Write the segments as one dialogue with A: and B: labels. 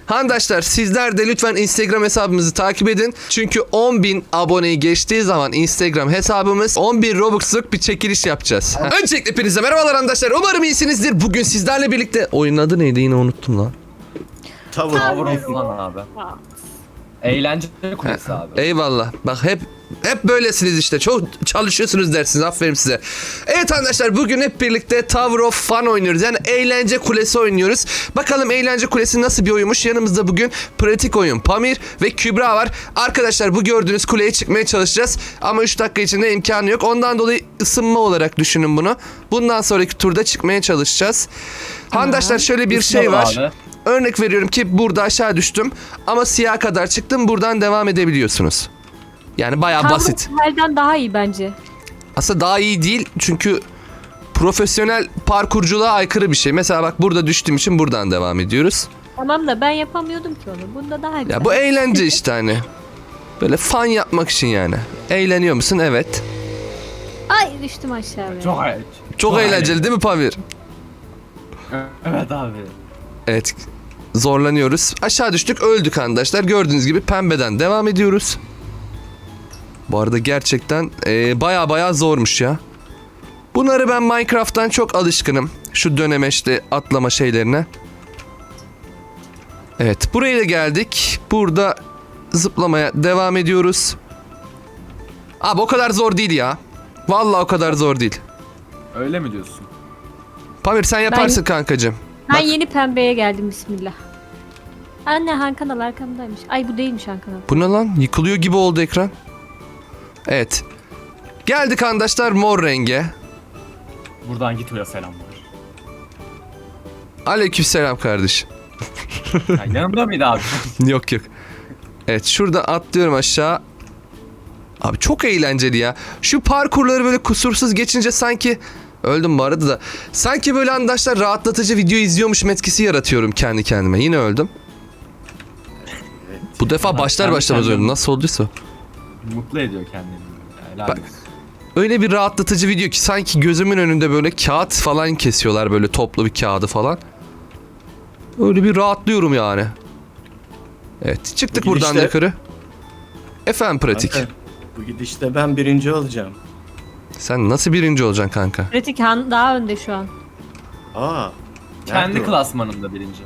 A: Handaşlar sizler de lütfen Instagram hesabımızı takip edin. Çünkü 10.000 aboneyi geçtiği zaman Instagram hesabımız 10.000 Robux'luk bir çekiliş yapacağız. Öncelikle hepinize merhabalar arkadaşlar. Umarım iyisinizdir. Bugün sizlerle birlikte... Oyunun adı neydi yine unuttum lan.
B: Tower of Fun abi. Eğlence kulesi abi.
A: Eyvallah. Bak hep böylesiniz işte. Çok çalışıyorsunuz dersiniz. Aferin size. Evet arkadaşlar bugün hep birlikte Tower of Fun oynuyoruz. Yani eğlence kulesi oynuyoruz. Bakalım eğlence kulesi nasıl bir oyunmuş. Yanımızda bugün pratik oyun Pamir ve Kübra var. Arkadaşlar bu gördüğünüz kuleye çıkmaya çalışacağız. Ama 3 dakika içinde imkanı yok. Ondan dolayı ısınma olarak düşünün bunu. Bundan sonraki turda çıkmaya çalışacağız. Handaşlar şöyle bir şey var.
B: Abi.
A: Örnek veriyorum ki burada aşağı düştüm ama siyah kadar çıktım, buradan devam edebiliyorsunuz. Yani bayağı basit.
C: Halden daha iyi bence.
A: Aslında daha iyi değil çünkü profesyonel parkurculuğa aykırı bir şey. Mesela bak burada düştüğüm için buradan devam ediyoruz.
C: Tamam da ben yapamıyordum ki onu. Bunda daha güzel.
A: Ya bu eğlence işte hani. Böyle fun yapmak için yani. Eğleniyor musun? Evet.
C: Ay düştüm aşağıya.
A: Çok eğlenceli değil mi Pamir?
B: Evet abi.
A: Evet. Zorlanıyoruz. Aşağı düştük, öldük arkadaşlar. Gördüğünüz gibi pembeden devam ediyoruz. Bu arada gerçekten baya zormuş ya. Bunları ben Minecraft'tan çok alışkınım. Şu dönemeçli atlama şeylerine. Evet, buraya da geldik. Burada zıplamaya devam ediyoruz. Abi o kadar zor değil ya. Vallahi o kadar zor değil.
B: Öyle mi diyorsun?
A: Pamir sen yaparsın kankacığım.
C: Ben
A: Bak.
C: yeni pembeye geldim bismillah. Anne Han Kanal arkamdaymış. Ay bu değilmiş Han Kanal.
A: Bu ne lan? Yıkılıyor gibi oldu ekran. Evet. Geldik arkadaşlar mor renge.
B: Buradan Gito'ya selamlar.
A: Aleykümselam kardeşim.
B: Ya, yanımda mıydı abi?
A: Yok. Evet şurada atlıyorum aşağı. Abi çok eğlenceli ya. Şu parkurları böyle kusursuz geçince sanki... Öldüm bu arada da. Sanki böyle arkadaşlar rahatlatıcı video izliyormuşum etkisi yaratıyorum kendi kendime. Yine öldüm. Bu defa başlar başlamaz öldüm. Nasıl olduysa.
B: Mutlu ediyor kendini. Helal
A: Bak.
B: olsun.
A: Öyle bir rahatlatıcı video ki sanki gözümün önünde böyle kağıt falan kesiyorlar, böyle toplu bir kağıdı falan. Öyle bir rahatlıyorum yani. Evet çıktık
D: Bu
A: buradan
D: gidişte-
A: yukarı. Efendim pratik.
D: Kanka, bu gidişte ben birinci olacağım.
A: Sen nasıl birinci olacaksın kanka?
C: Pratik Han daha önde şu an.
D: Aa.
B: Kendi
D: nerede o?
B: klasmanında birinci.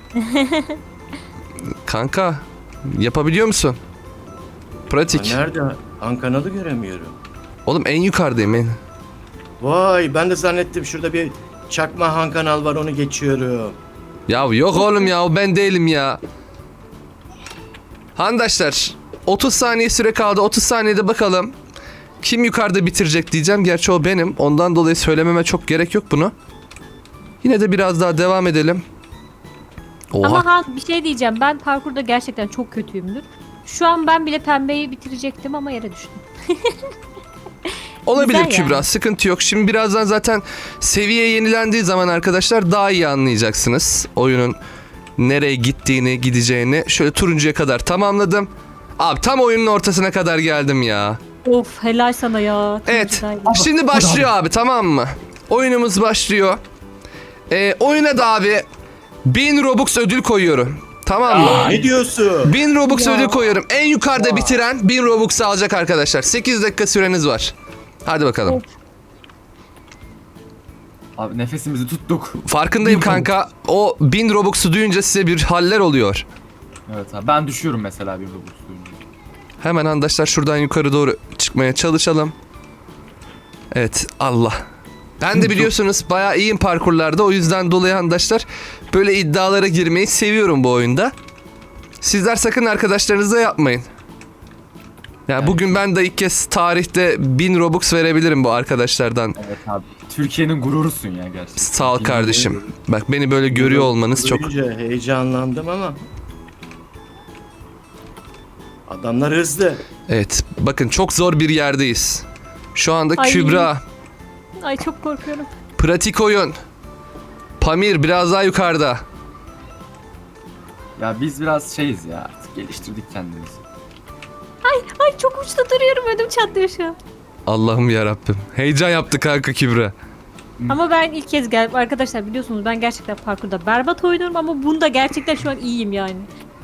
A: Kanka yapabiliyor musun? Pratik.
D: Aa, nerede? Ankanalı göremiyorum.
A: Oğlum en yukarıdayım en.
D: Vay ben de zannettim şurada bir çakma Han Kanal var onu geçiyorum.
A: Ya yok oğlum ya, o ben değilim ya. Handaşlar 30 saniye süre kaldı. 30 saniyede bakalım kim yukarıda bitirecek diyeceğim. Gerçi o benim. Ondan dolayı söylememe çok gerek yok bunu. Yine de biraz daha devam edelim. Oha.
C: Ama Han bir şey diyeceğim. Ben parkurda gerçekten çok kötüyümdür. Şu an ben bile pembeyi bitirecektim ama yere düştüm.
A: Olabilir
C: güzel
A: Kübra,
C: yani.
A: sıkıntı yok. Şimdi birazdan zaten seviye yenilendiği zaman arkadaşlar daha iyi anlayacaksınız oyunun nereye gittiğini, gideceğini. Şöyle turuncuya kadar tamamladım. Abi tam oyunun ortasına kadar geldim ya.
C: Of helal sana ya.
A: Evet.
C: Turuncudaydın.
A: Şimdi başlıyor abi, tamam mı? Oyunumuz başlıyor. Oyuna da abi 1000 Robux ödül koyuyorum. Tamam mı?
D: Ne diyorsun?
A: 1000 Robux
C: Ya.
A: ödül koyuyorum. En yukarıda bitiren 1000 Robux alacak arkadaşlar. 8 dakika süreniz var. Hadi bakalım.
C: Of.
B: Abi nefesimizi tuttuk.
A: Farkındayım kanka. O 1000 Robux'u duyunca size bir haller oluyor.
B: Evet abi ben düşüyorum mesela bir Robux duyunca.
A: Hemen arkadaşlar şuradan yukarı doğru çıkmaya çalışalım. Evet, Allah. Ben de biliyorsunuz bayağı iyiyim parkurlarda. O yüzden dolayı arkadaşlar böyle iddialara girmeyi seviyorum bu oyunda. Sizler sakın arkadaşlarınızla yapmayın. Ya bugün ben de ilk kez tarihte 1000 Robux verebilirim bu arkadaşlardan.
B: Evet abi. Türkiye'nin gururusun ya gerçekten.
A: Sağ ol kardeşim. Bak beni böyle görüyor olmanız çok...
D: Duyunca heyecanlandım ama. Adamlar hızlı.
A: Evet, bakın çok zor bir yerdeyiz. Şu anda
C: Ay.
A: Kübra,
C: Ay çok korkuyorum.
A: pratik oyun. Pamir biraz daha yukarıda.
B: Ya biz biraz şeyiz ya artık geliştirdik kendimizi.
C: Ay çok uçta duruyorum, ödüm çatlıyor şu an.
A: Allah'ım yarabbim. Heyecan yaptı kanka Kübra.
C: Ama ben ilk kez geldim. Arkadaşlar biliyorsunuz ben gerçekten parkurda berbat oynuyorum ama bunda gerçekten şu an iyiyim yani.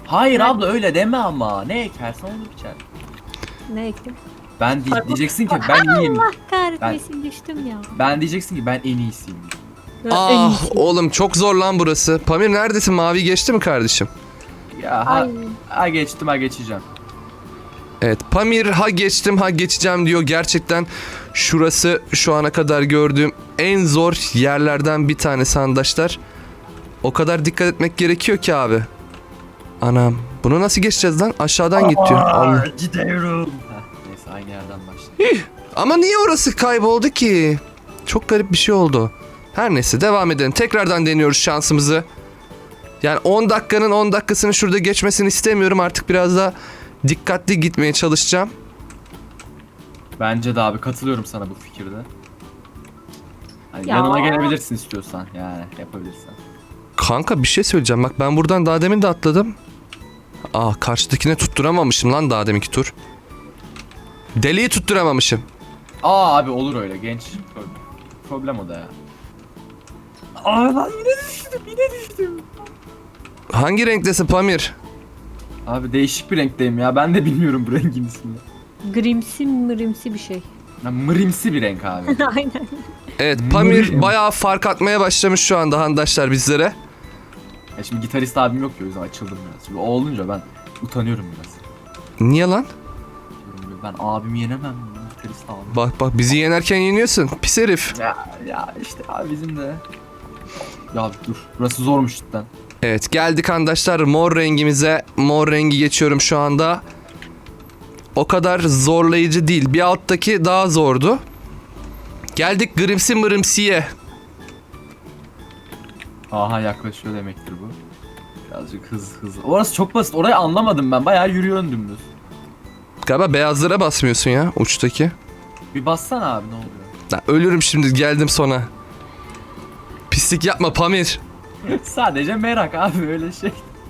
B: Hayır abla öyle deme ama. Ne ekersen onu biçer.
C: Ne ektim?
B: Diyeceksin ki ben iyiyim.
C: Allah kahretmesin düştüm ya.
B: Ben diyeceksin ki ben en iyisiyim.
C: En
A: Ah
C: iyisi.
A: oğlum çok zor lan burası. Pamir neredesin? Mavi geçti mi kardeşim?
B: Ya
C: Ay.
B: ha geçtim ha geçeceğim.
A: Evet Pamir ha geçtim ha geçeceğim diyor. Gerçekten şurası şu ana kadar gördüğüm en zor yerlerden bir tanesi arkadaşlar. O kadar dikkat etmek gerekiyor ki abi. Anam bunu nasıl geçeceğiz lan? Aşağıdan git diyor. Allah.
B: Gidiyorum. Neyse aynı yerden başlayalım.
A: Ama niye orası kayboldu ki? Çok garip bir şey oldu. Her neyse devam edelim. Tekrardan deniyoruz şansımızı. Yani 10 dakikanın 10 dakikasını şurada geçmesini istemiyorum. Artık biraz daha dikkatli gitmeye çalışacağım.
B: Bence de abi katılıyorum sana bu fikirde. Hani
C: Ya.
B: yanıma gelebilirsin istiyorsan yani yapabilirsen.
A: Kanka bir şey söyleyeceğim. Bak ben buradan daha demin de atladım. Karşıdakine tutturamamışım lan daha deminki tur. Deliği tutturamamışım.
B: Abi olur öyle genç. Problem o da ya. Lan yine düştüm.
A: Hangi renktesin Pamir?
B: Abi değişik bir renkteyim ya. Ben de bilmiyorum bu rengin ismini.
C: Grimsi bir şey.
B: Ya, mırimsi bir renk abi.
C: Aynen.
A: Evet Pamir
B: Mırim.
A: bayağı fark atmaya başlamış şu anda handaşlar bizlere.
B: Ya şimdi gitarist abim yok ya o yüzden açıldım biraz. Şimdi o olunca ben utanıyorum biraz.
A: Niye lan?
B: Diyorum, ben abimi yenemem. Gitarist abim.
A: Bak bizi yenerken yeniyorsun. Pis herif.
B: Ya işte abi bizim de. Ya dur burası zormuş cidden.
A: Evet geldik arkadaşlar mor rengimize. Mor rengi geçiyorum şu anda. O kadar zorlayıcı değil. Bir alttaki daha zordu. Geldik grimsi mırımsiye.
B: Aha yaklaşıyor demektir bu. Birazcık hız. Orası çok basit. Orayı anlamadım ben. Bayağı yürüyorum dümdüz.
A: Galiba beyazlara basmıyorsun ya uçtaki.
B: Bir bassana abi ne oluyor?
A: Lan ölürüm şimdi geldim sona. Pislik yapma Pamir.
B: Sadece merak abi öyle şey.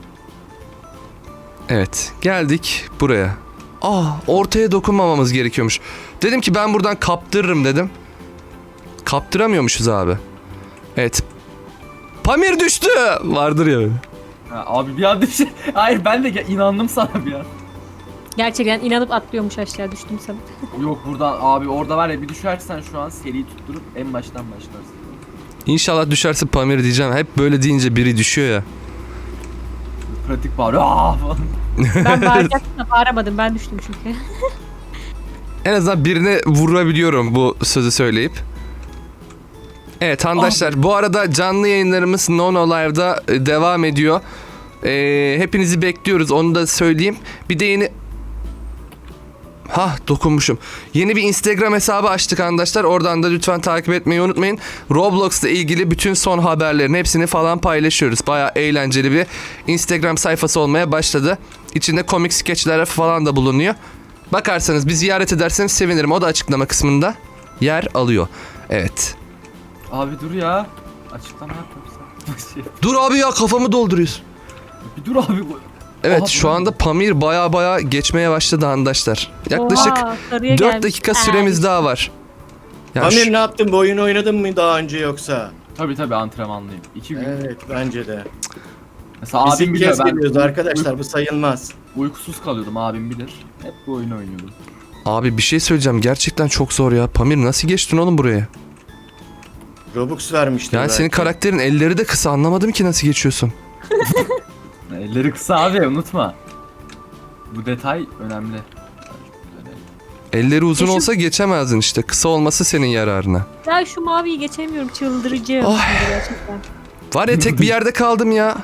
A: Evet geldik buraya. Ortaya dokunmamamız gerekiyormuş. Dedim ki ben buradan kaptırırım dedim. Kaptıramıyormuşuz abi. Evet. Pamir düştü. Vardır ya.
B: Abi bir an düşün. Hayır ben de inandım sana bir an.
C: Gerçekten inanıp atlıyormuş aşağı düştüm sana.
B: Yok buradan abi orada var ya bir düşersen şu an seriyi tutturup en baştan başlarsın.
A: İnşallah düşerse Pamir diyeceğim. Hep böyle deyince biri düşüyor ya.
B: Pratik bağırıyor. Falan.
C: Ben bağıracaktım da bağıramadım. Ben düştüm çünkü.
A: En azından birine vurabiliyorum bu sözü söyleyip. Evet arkadaşlar bu arada canlı yayınlarımız Nono Live'da devam ediyor. Hepinizi bekliyoruz onu da söyleyeyim. Bir de yeni... dokunmuşum. Yeni bir Instagram hesabı açtık arkadaşlar. Oradan da lütfen takip etmeyi unutmayın. Roblox'la ilgili bütün son haberlerin hepsini falan paylaşıyoruz. Bayağı eğlenceli bir Instagram sayfası olmaya başladı. İçinde komik skeçler falan da bulunuyor. Bakarsanız bir ziyaret ederseniz sevinirim. O da açıklama kısmında yer alıyor. Evet.
B: Abi dur ya. Açıklama yapmıyorsan.
A: Dur abi ya kafamı dolduruyorsun.
B: Bir dur abi.
A: Evet
B: Aha,
A: şu
B: bu-
A: anda Pamir baya geçmeye başladı arkadaşlar. Yaklaşık
C: Oha, sarıya
A: 4
C: gelmiş.
A: dakika süremiz daha var. Ya
D: Pamir ne yaptın? Bu oyunu oynadın mı daha önce yoksa?
B: Tabii antrenmanlıyım. 2 gün.
D: Evet bence de.
B: Mesela
D: Biz
B: abim
D: ilk
B: bilir
D: kez
B: ben
D: geliyoruz arkadaşlar, bu sayılmaz.
B: uykusuz kalıyordum abim bilir. Hep bu oyunu oynuyordum.
A: Abi bir şey söyleyeceğim gerçekten çok zor ya. Pamir nasıl geçtin oğlum buraya?
D: Robux vermişler.
A: Yani senin karakterin elleri de kısa anlamadım ki nasıl geçiyorsun.
B: Elleri kısa abi unutma. Bu detay önemli.
A: Elleri uzun
C: Şu-
A: olsa geçemezdin işte. Kısa olması senin yararına.
C: Ya şu maviyi geçemiyorum. Çıldırıcı.
A: Ay.
C: Gerçekten.
A: Var ya tek bir yerde kaldım ya.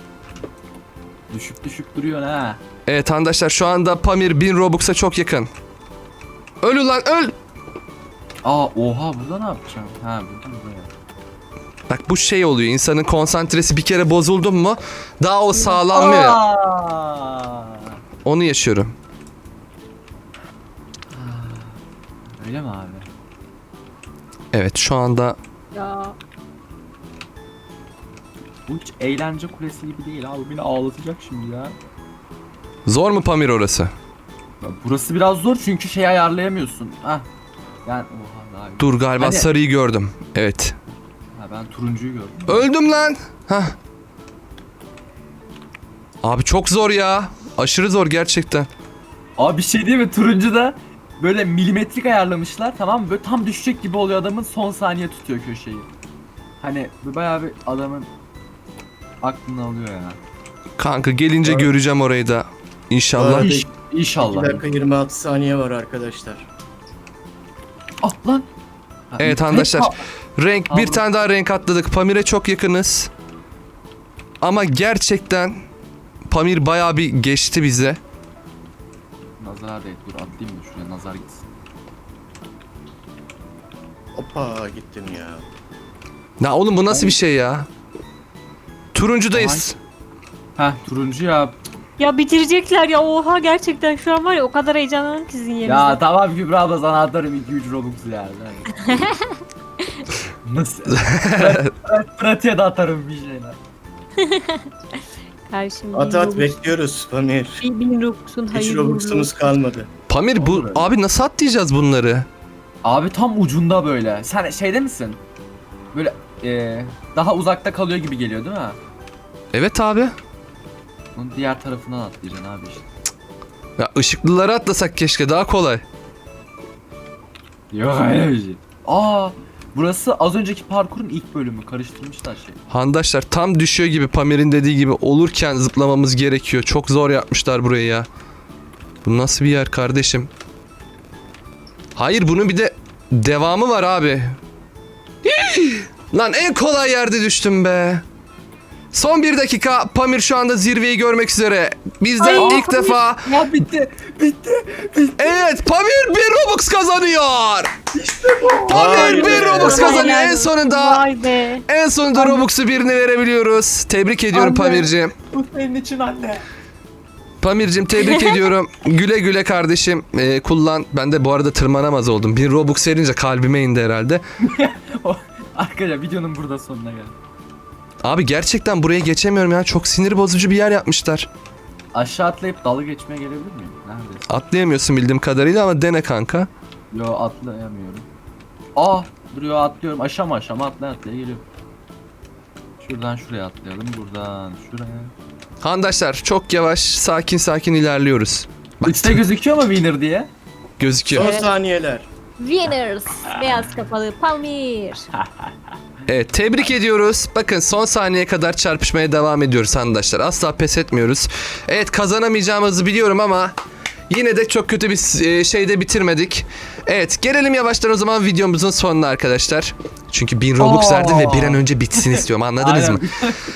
B: Düşük duruyor ha.
A: Evet arkadaşlar şu anda Pamir 1000 Robux'a çok yakın. Öl ulan öl.
B: Oha burada ne yapacağım? Ha buradan buraya.
A: Bak bu şey oluyor insanın konsantresi bir kere bozuldu mu daha o sağlanmıyor ya. Onu yaşıyorum.
B: Öyle mi abi?
A: Evet şu anda
C: Ya.
B: Bu hiç eğlence kulesi gibi değil abi. Beni ağlatacak şimdi ya.
A: zor mu Pamir orası?
B: Ya burası biraz zor çünkü şey ayarlayamıyorsun. Hah. Yani oha daha iyi.
A: Dur galiba
B: Hani-
A: sarıyı gördüm. Evet.
B: Ha, ben turuncuyu gördüm.
A: Öldüm lan. Hah. Abi çok zor ya. Aşırı zor gerçekten.
B: Abi bir şey değil mi? Turuncu da böyle milimetrik ayarlamışlar, tamam mı? Böyle tam düşecek gibi oluyor, adamın son saniye tutuyor köşeyi. Hani bayağı bir adamın aklını alıyor ya.
A: Kanka gelince
D: Evet.
A: göreceğim orayı da. İnşallah.
D: Evet.
B: İş,
D: 2
B: inşallah.
D: dakika 26 saniye var arkadaşlar.
B: Ah lan. Ha,
A: Evet
B: ne-
A: arkadaşlar.
B: Ha,
A: Renk bir
B: Allah.
A: tane daha renk atladık. Pamir'e çok yakınız. Ama gerçekten Pamir bayağı bir geçti bize.
B: Nazar değil, dur atlayayım da şuraya nazar gitsin.
D: Hoppa gittim ya.
A: Ya oğlum bu nasıl bir şey ya? Turuncudayız.
B: Heh, turuncu ya.
C: Ya bitirecekler ya, oha gerçekten şu an var ya, o kadar heyecanlandım ki sizin yerinizde.
B: Ya tamam Kübra abla, sana atarım 2-3 Robux yani. Nasıl? Pratiğe de atarım bir şeyler.
C: Karşım
D: At at bekliyoruz Pamir.
C: bin Robux'un
D: Hiç
C: hayırlı uğurlu
D: Robux'umuz
C: olsun.
D: kalmadı.
A: Pamir bu
B: Olur öyle.
A: abi nasıl atlayacağız bunları?
B: Abi tam ucunda böyle. Sen şeyde misin? Böyle daha uzakta kalıyor gibi geliyor değil mi?
A: Evet abi.
B: Onun diğer tarafından atlayacaksın abi işte.
A: Ya ışıklıları atlasak keşke, daha kolay.
B: Yok öyle bir şey. Aa, burası az önceki parkurun ilk bölümü. Karıştırmışlar şey.
A: Handaşlar tam düşüyor gibi, Pamir'in dediği gibi olurken zıplamamız gerekiyor. Çok zor yapmışlar burayı ya. Bu nasıl bir yer kardeşim? Hayır, bunun bir de devamı var abi. Hii! Lan en kolay yerde düştüm be. Son 1 dakika. Pamir şu anda zirveyi görmek üzere. Biz de
C: Ay,
A: ilk
C: Pamir.
A: defa...
B: Ya bitti. Bitti.
A: Evet, Pamir 1 Robux kazanıyor. Pamir
D: Vay
A: 1
D: be.
A: Robux kazanıyor. En
C: Helal.
A: sonunda
C: Vay be.
A: en sonunda Robux'u birine verebiliyoruz. Tebrik ediyorum
B: Anne.
A: Pamir'ciğim.
B: Bu senin için anne.
A: Pamir'cim tebrik ediyorum. Güle güle kardeşim. Kullan. Ben de bu arada tırmanamaz oldum. 1 Robux verince kalbime indi herhalde.
B: Arkadaşlar videonun burada sonuna geldik.
A: Abi gerçekten buraya geçemiyorum ya. Çok sinir bozucu bir yer yapmışlar.
B: Aşağı atlayıp dalga geçmeye gelebilir miyim? Neredesin?
A: Atlayamıyorsun bildiğim kadarıyla ama dene kanka.
B: Yo, atlayamıyorum. Aa, duruyor, atlıyorum. Aşama atlaya geliyorum. Şuradan şuraya atlayalım. Buradan şuraya.
A: Handaşlar çok yavaş, sakin sakin ilerliyoruz. Bak,
B: Üstte gözüküyor mu winner diye?
A: gözüküyor.
D: Son
C: Evet.
D: saniyeler.
C: Winners. Beyaz kafalı Pamir.
A: Evet, tebrik ediyoruz. Bakın son saniyeye kadar çarpışmaya devam ediyoruz handaşlar. Asla pes etmiyoruz. Evet, kazanamayacağımızı biliyorum ama yine de çok kötü bir şeyde bitirmedik. Evet, gelelim yavaştan o zaman videomuzun sonuna arkadaşlar. Çünkü 1000 Robux verdim ve bir an önce bitsin istiyorum, anladınız mı?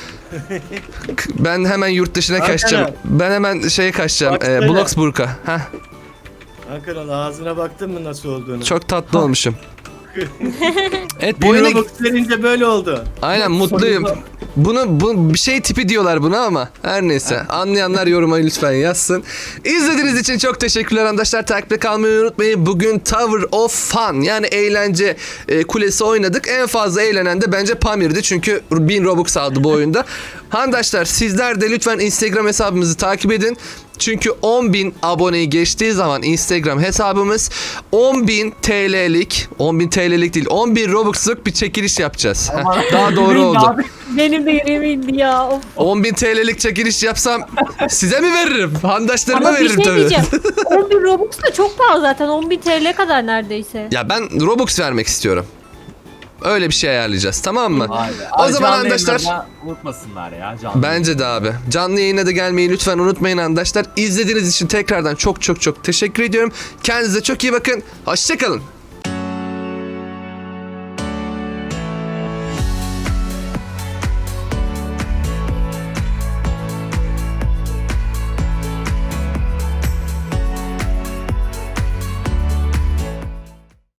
A: Ben hemen yurt dışına
D: Hakan
A: kaçacağım.
D: abi.
A: Ben hemen şeye kaçacağım.
D: Baksana.
A: Bloxburg'a. Heh,
D: Hakan ağzına baktın mı nasıl olduğunu?
A: çok tatlı olmuşum. Evet, bu
D: 1
A: oyuna...
D: Robux verince böyle oldu.
A: Aynen, mutluyum. Bu bir şey tipi diyorlar buna ama her neyse. Anlayanlar yoruma lütfen yazsın. İzlediğiniz için çok teşekkürler arkadaşlar. Takipte kalmayı unutmayın. Bugün Tower of Fun, yani eğlence kulesi oynadık. En fazla eğlenen de bence Pamir'di. Çünkü 1000 Robux aldı bu oyunda. Handaşlar sizler de lütfen Instagram hesabımızı takip edin. Çünkü 10.000 aboneyi geçtiği zaman Instagram hesabımız 10.000 TL'lik, 10.000 TL'lik değil, 10.000 Robux'luk bir çekiliş yapacağız. Heh, daha doğru oldu.
C: Benim de yüreğime indi ya. Of.
A: 10.000 TL'lik çekiliş yapsam size mi veririm? Handaşlarıma
C: Ama bir
A: veririm
C: şey
A: tabii.
C: diyeceğim. 10.000 Robux da çok pahalı zaten. 10.000 TL kadar neredeyse.
A: Ya ben Robux vermek istiyorum. Öyle bir şey ayarlayacağız, tamam mı? O zaman arkadaşlar,
B: unutmasınlar ya canlı.
A: bence de abi. Canlı yayına da gelmeyi lütfen unutmayın arkadaşlar. İzlediğiniz için tekrardan çok çok çok teşekkür ediyorum. Kendinize çok iyi bakın. Hoşça kalın.